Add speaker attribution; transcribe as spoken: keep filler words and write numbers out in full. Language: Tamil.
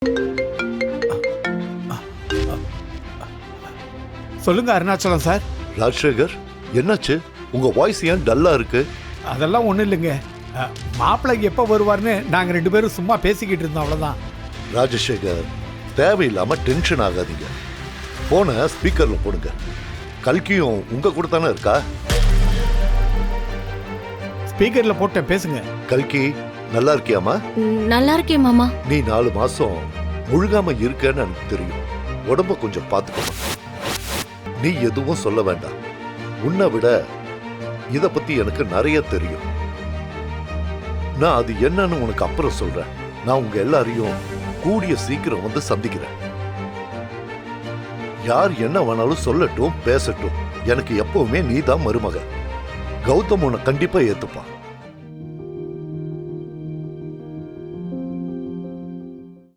Speaker 1: சொல்லுங்க அருணாச்சலம் சார்.
Speaker 2: ராஜசேகர், என்னாச்சு? உங்க வாய்ஸ் ஏன் டல்லா இருக்கு?
Speaker 1: அதெல்லாம் ஒண்ணும் இல்லைங்க. மாப்பிள்ளை எப்ப வருவார்னு நாங்க ரெண்டு பேரும் சும்மா பேசிக்கிட்டு இருந்தோம், அவ்வளவுதான்.
Speaker 2: ராஜசேகர், தேவையில்லாம டென்ஷன் ஆகாதீங்க. போனை ஸ்பீக்கர்ல போடுங்க. கல்கியும் உங்க கூட தானே இருக்கா?
Speaker 1: ஸ்பீக்கர்ல போட்டேன், பேசுங்க.
Speaker 2: கல்கி, நல்லா இருக்கியாமா?
Speaker 3: நல்லா இருக்கேன் மாமா.
Speaker 2: நீ நாலு மாசம் முழுகாம இருக்கேன்னு எனக்கு தெரியும். உடம்ப கொஞ்சம் பாத்துக்கணும். நீ எதுவும் சொல்ல வேண்டாம். உன்னை விட இத பத்தி எனக்கு நிறைய தெரியும். நான் அது என்னன்னு உனக்கு அப்புறம் சொல்றேன். நான் உங்க எல்லாரையும் கூடிய சீக்கிரம் வந்து சந்திக்கிறேன். யார் என்ன வேணாலும் சொல்லட்டும், பேசட்டும். எனக்கு எப்பவுமே நீதான் மருமக. கௌதம் உன்னை கண்டிப்பா ஏத்துப்பான்.